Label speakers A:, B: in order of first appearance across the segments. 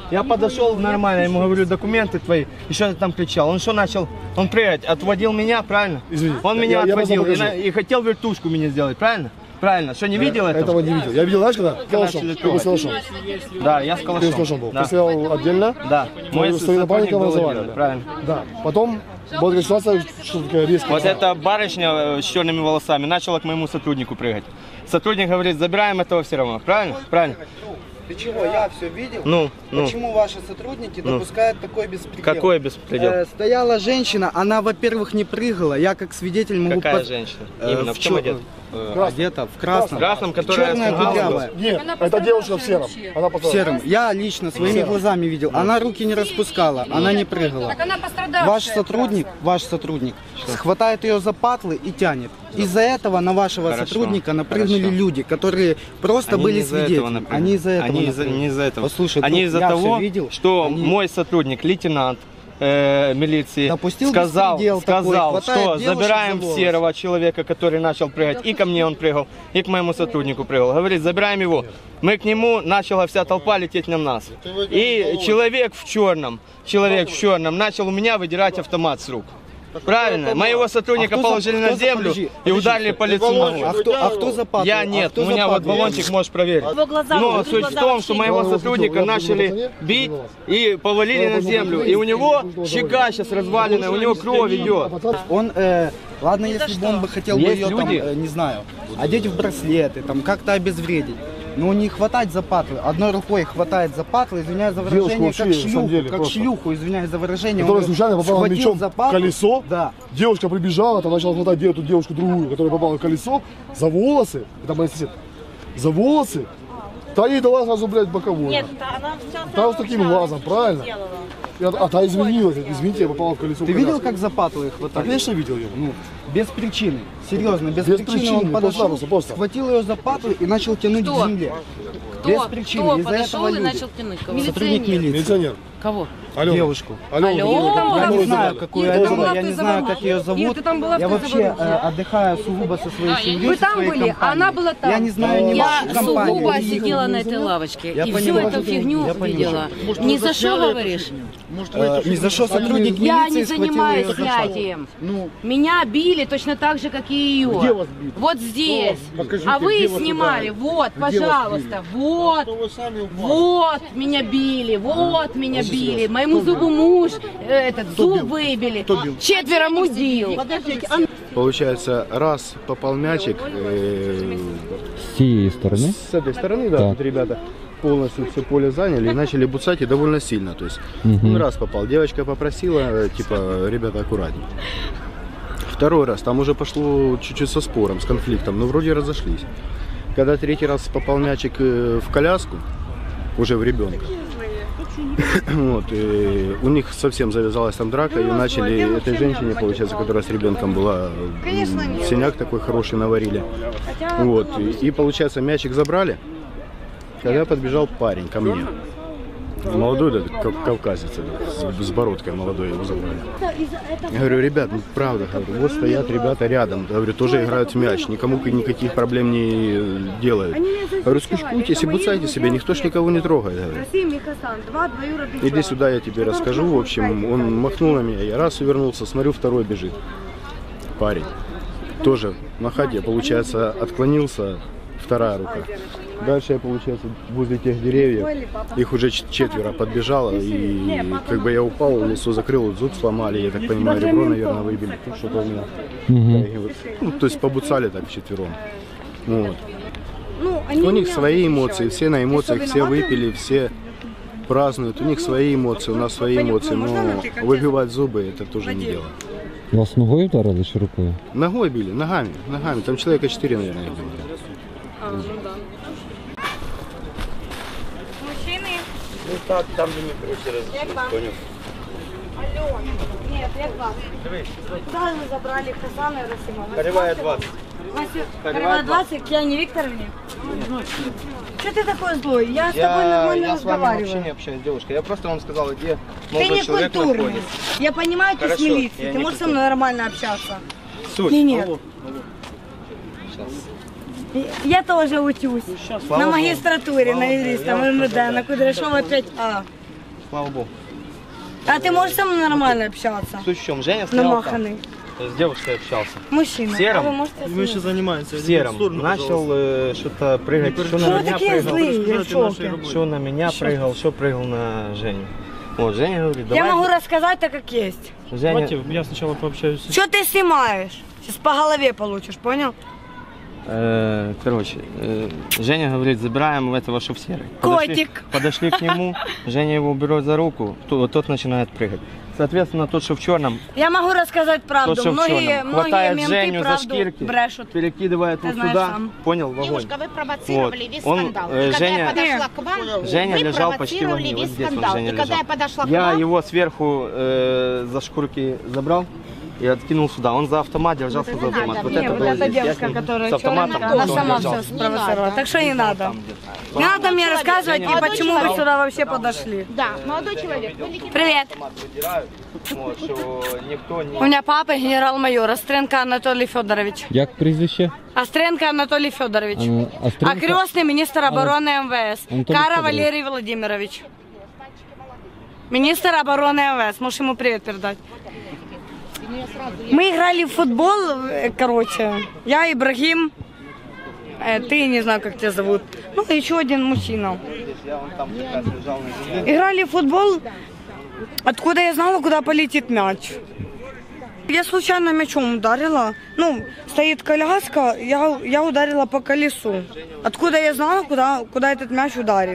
A: Я подошел нормально, ему говорю, документы твои, и что ты там кричал. Он что начал? Он прыгать, отводил меня, правильно?
B: Извини.
A: Он меня отводил и хотел вертушку мне сделать, правильно? Правильно, что не видел этого?
B: Этого не видел. Я видел, знаешь, когда? Калашом. Ты был с калашом.
A: Да, я с калашом.
B: Ты с калашом был.
A: Да.
B: Ты стоял отдельно.
A: Да. Мой
B: напарника вызывали.
A: Правильно.
B: Да. Потом была такая ситуация, что такая резкая.
A: Вот эта барышня с черными волосами начала к моему сотруднику прыгать. Сотрудник говорит, забираем этого все равно. Правильно? Правильно.
C: Ты чего? Я все видел.
A: Ну.
C: Почему ваши сотрудники допускают такой беспредел?
A: Какой беспредел?
C: Стояла женщина, она, во-первых, не прыгала. Я как свидетель могу...
A: Какая женщина? Именно в чем одета?
C: Одета в красном.
A: В красном, которая...
C: Черная кудрявая.
B: Нет, это девушка в сером. Она
C: В сером. Я лично своими глазами видел. Она руки не распускала, она не прыгала.
D: Так она пострадавшая.
C: Ваш сотрудник хватает ее за патлы и тянет. Из-за этого на вашего сотрудника напрыгнули люди, которые просто были свидетелями. Они из-за этого.
A: Не из-за этого.
C: Послушай,
A: они из-за того,
C: видел,
A: что мой сотрудник, лейтенант милиции, сказал, что забираем серого человека, который начал прыгать, и ко мне он прыгал, и к моему сотруднику прыгал. Говорит, забираем его. Мы к нему, начала вся толпа лететь на нас. И человек в черном начал у меня выдирать автомат с рук. Правильно, моего сотрудника положили на землю и ударили по лицу ногой.
C: А кто запатлил?
A: Я нет, у меня вот баллончик, можешь проверить. Но суть в том, что моего сотрудника начали бить и повалили на землю. И у него щека сейчас разваленная, у него кровь идет.
C: Он, ладно, если бы он бы хотел бы ее, там, не знаю, одеть в браслеты, там, как-то обезвредить. Но не хватать за патлы. Одной рукой хватает за патлы, извиняюсь за выражение, как шлюху, извиняюсь за выражение.
B: Которая случайно попала мечом в колесо.
C: Да.
B: Девушка прибежала, там начала хватать эту девушку другую, которая попала в колесо, за волосы. Это моя сосед. За волосы. Та ей дала сразу, блядь, боковую.
D: Нет, она все
B: та с таким глазом, правильно? А та извинилась, извините, я попала в колесо.
C: Ты видел, как за патлы хватали?
B: Конечно, видел ее.
C: Ну, без причины. Серьезно, без причины он подошел, схватил ее за патлы и начал тянуть к земле. Без причины.
D: Кто
C: из-за
D: подошел
C: этого
D: и начал тянуть? Кого?
C: Сотрудник милиции.
B: Милиционер.
D: Кого?
B: Алена.
C: Девушку.
B: Алена.
C: Я не знаю, какую Алену, я не знаю, как ее зовут.
D: Ир, ты там была в
C: Я вообще
D: Заварухе?
C: отдыхаю сугубо со своей семьей.
D: Вы там были, а она была там.
C: Я не знаю ни вашей
D: Я
C: компании.
D: сугубо сидела на этой лавочке и всю эту фигню видела. Ни за что говоришь?
C: Ни за что сотрудник милиции
D: Я не
C: схватил
D: занимаюсь
C: ее за патлы.
D: этим. Меня били точно так же, как и ее.
B: Где вас били?
D: Вот здесь.
B: Покажите,
D: А вы
B: где вас
D: снимали.
B: ударили?
D: Вот,
B: Где вас
D: пожалуйста. Вот. Вот меня били. Вот меня били. Моему зубу муж этот зуб выбили. 4 мудил.
E: Получается, раз попал мячик
F: С цієї сторони?
E: с этой стороны, да,
F: Так.
E: тут ребята полностью все поле заняли и начали буцать и довольно сильно. То есть он раз попал, девочка попросила, типа, ребята, аккуратней. Второй раз, там уже пошло чуть-чуть со спором, с конфликтом, но вроде разошлись. Когда третий раз попал мячик в коляску, уже в ребенка, вот, и у них совсем завязалась там драка, и начали этой женщине, получается, которая с ребенком была, синяк такой хороший наварили. Вот, и получается, мячик забрали, когда подбежал парень ко мне. Молодой, да, кавказец, с бородкой молодой, его забрали. Я говорю, ребят, ну правда, говорю, вот стоят ребята рядом, говорю, тоже играют в мяч, никому никаких проблем не делают. Говорю, скучкуйтесь и буцайте себя, никто ж никого не трогает. Говорю. Иди сюда, я тебе расскажу. В общем, он махнул на меня, я раз увернулся, смотрю, второй бежит. Парень. Тоже на ходе, получается, отклонился, вторая рука. Дальше я, получается, возле тех деревьев, их уже 4 подбежало, и как бы я упал, лицо закрыл, зуб сломали, я так понимаю, ребро, наверное, выбили, что-то у меня. Ну, то есть побуцали так вчетвером. Вот. У них свои эмоции, все на эмоциях, все выпили, все празднуют, у них свои эмоции, у нас свои эмоции, но выбивать зубы это тоже не дело.
F: Вас ногою вдарили чи рукою?
E: Ногой били, ногами, там человека 4, наверное, их было.
D: Мужчины.
A: Ну так, там же не проще разрешить, понял?
D: Алена. Нет, я 20. Куда вы забрали Хасана и Расима?
A: Коревая 20.
D: Коревая 20 к Яне Викторовне? Что ты такой злой? Я с тобой нормально
A: Я с вами вообще не
D: разговариваю.
A: общаюсь, девушка. Я просто вам сказал, где
D: Ты
A: молодой
D: не
A: человек
D: культурный.
A: находится.
D: Я понимаю, ты с
A: Хорошо,
D: милиции.
A: я
D: Ты
A: не
D: можешь со
A: культурный.
D: мной нормально общаться?
A: Суть.
D: Или нет?
A: Алло.
D: Я тоже учусь.
A: Слава
D: На
A: Богу.
D: магистратуре, на юриста, на МВД, на Кудряшова 5А.
A: слава богу.
G: А ты можешь со мной нормально общаться?
A: Суть в чем? Женя стоял там,
G: Намаханный.
A: с девушкой общался.
G: Мужчина.
A: В сером?
G: А вы можете
H: Мы еще занимаемся.
A: В сером. Начал что-то прыгать, что на
G: Вы
A: меня
G: такие злые,
A: прыгал.
G: я в шоке.
A: Что на меня прыгал, что прыгал на Женю. Вот, Женя говорит, давай.
G: Я могу рассказать так, как есть.
A: Женя,
H: Давайте я сначала пообщаюсь.
G: Что ты снимаешь? Сейчас по голове получишь, понял?
A: короче, Женя говорит, забираем этого, что в серый.
G: Котик.
A: Подошли к нему, Женя его берет за руку, тот начинает прыгать. Соответственно, тот, что в черном,
G: Я могу рассказать правду.
A: тот, что в
G: Многие
A: черном, хватает
G: менты
A: Женю за
G: правду
A: шкирки,
G: брешут.
A: перекидывает
G: Ты
A: вот
G: знаешь
A: сюда,
G: сам.
A: понял, в огонь.
I: Девушка, вы провоцировали
A: Вот.
I: весь
A: Он,
I: скандал.
A: э,
I: И когда
A: Женя-
I: я подошла к вам,
A: Женя
I: вы
A: лежал почти в
I: провоцировали
A: огне, вот
I: весь
A: здесь он,
I: скандал.
A: Женя
I: И когда
A: лежал.
I: я подошла к
A: Я
I: вам,
A: его сверху за шкурки забрал и откинул сюда. Он за автомат держался за автомат.
I: надо
A: Вот
I: мне,
A: это
G: вот
A: было
G: эта
A: здесь. Я
G: девушка,
A: с ним
G: которая
A: с автоматом,
G: черная, она
A: он
G: сама
A: держал.
G: все спровоцировала.
I: надо.
G: Так что не надо. Не надо мне рассказывать, и
I: Молодой
G: почему вы
I: человек.
G: сюда вообще подошли.
I: да, молодой человек, вы легитимный.
G: Привет.
A: Автомат выдирают, вот, что никто не...
G: У меня папа генерал-майор Остренко Анатолий Федорович.
F: Як прізвище?
G: Остренко Анатолий Федорович. А
F: Остренко?
G: крестный министр обороны МВС.
F: Анатолий
G: Кара
F: Федорович.
G: Валерий Владимирович. Министр обороны МВС. Можешь ему привет передать. Мы играли в футбол, короче. Я, Ибрагим. Ты, не знаю, как тебя зовут. Ну, еще один мужчина.
A: Я вон там как раз лежал на земле.
G: Играли в футбол. Откуда я знала, куда полетит мяч? Я случайно мячом ударила. Ну, стоит коляска, я ударила по колесу. Откуда я знала, куда этот мяч ударит?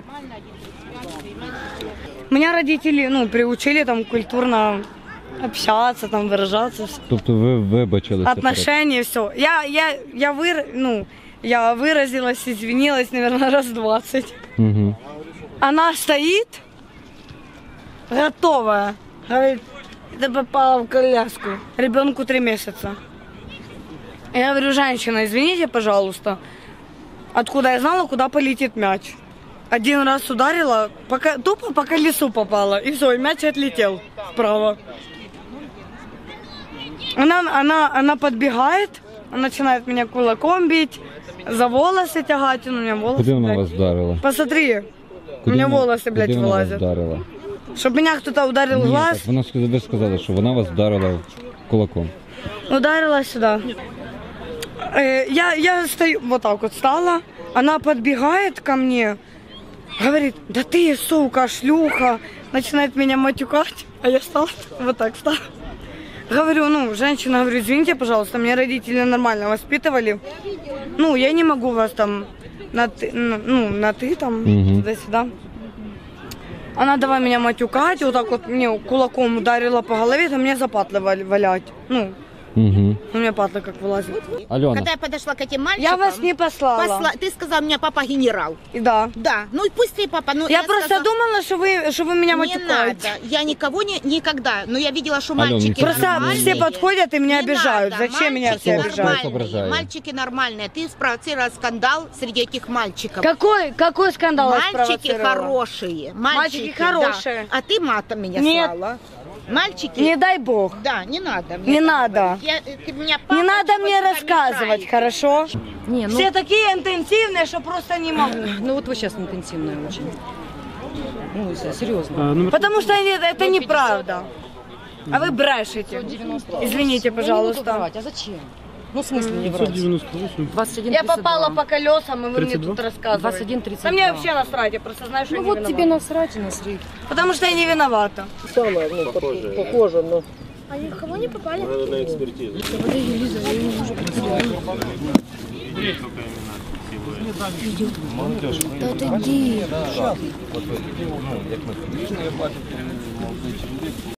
G: Меня родители, приучили там культурно общаться, там выражаться.
F: Тобто ви вибачилися?
G: Отношения, все. Я выразилась, извинилась, наверное, раз 20.
F: Угу.
G: Она стоит, готовая. Говорит, ты попала в коляску. Ребенку 3 месяца. Я говорю, женщина, извините, пожалуйста. Откуда я знала, куда полетит мяч? Один раз ударила, тупо по колесу попала. И все, и мяч отлетел вправо. Она подбегает, начинает меня кулаком бить, за волосы тягать. У меня волосы,
F: Куди вона
G: блядь.
F: вас вдарила?
G: Посмотри, у меня волосы, блядь,
F: Куди вона вас
G: вылазят.
F: вдарила?
G: Чтобы меня кто-то ударил в
F: Ні,
G: глаз,
F: так ви сказали, що вона вас вдарила кулаком.
G: ударила сюда. Я стою, вот так вот стала, она подбегает ко мне, говорит, да ты, сука, шлюха, начинает меня матюкать, а я стала, вот так стала. Говорю, женщина, говорю, извините, пожалуйста, меня родители нормально воспитывали. Я не могу вас там на ты там,
F: Мгм.
G: туда-сюда. Она давай меня матюкать, вот так вот мне кулаком ударила по голове, там мне за патлы валять.
F: Угу.
G: У меня патлы как вылазят.
F: Альона,
I: Когда я подошла к этим мальчикам,
G: Я вас не послала.
I: ты сказал, у меня папа генерал.
G: И да.
I: Да, ну и пусть ты папа. Но
G: Я просто
I: сказала,
G: думала, что вы меня
I: не
G: матюкаете.
I: надо, я никого никогда, но я видела, что
F: Алена,
I: мальчики
F: не
G: Просто
I: нормальные.
G: все подходят и меня
I: Не
G: обижают.
I: надо,
G: Зачем меня
I: мальчики
G: все обижают?
I: нормальные, мальчики нормальные. Ты спровоцировал скандал среди этих мальчиков.
G: Какой скандал я
I: Мальчики
G: спровоцировала?
I: хорошие.
G: Мальчики хорошие.
I: Да. А ты матом меня
G: Нет.
I: слала. Мальчики.
G: Не дай бог.
I: Да, не надо.
G: Не надо.
I: Ты меня папа
G: Не надо мне
I: чего-то
G: рассказывать,
I: мешает.
G: хорошо?
J: Не,
G: Все такие интенсивные, что просто не могу.
J: ну вот вы сейчас интенсивная очень. Ну, серьезно.
G: Потому что это неправда. А вы брешете. Извините, пожалуйста.
J: А зачем? Ну, в смысле не врать? 21,
G: Я
J: 32.
G: попала по колесам, и вы мне
H: 32?
G: тут рассказываете.
J: 21, 32.
G: Да мне вообще насрать, я просто знаю, что
J: Ну
G: я
J: вот
G: не
J: тебе
G: виновата.
J: насрать и насрать.
G: Потому что я не виновата.
J: Похоже, но...
K: А ни в кого не попали?
E: Надо на экспертизу.
A: Молодежь.
K: Да отойди.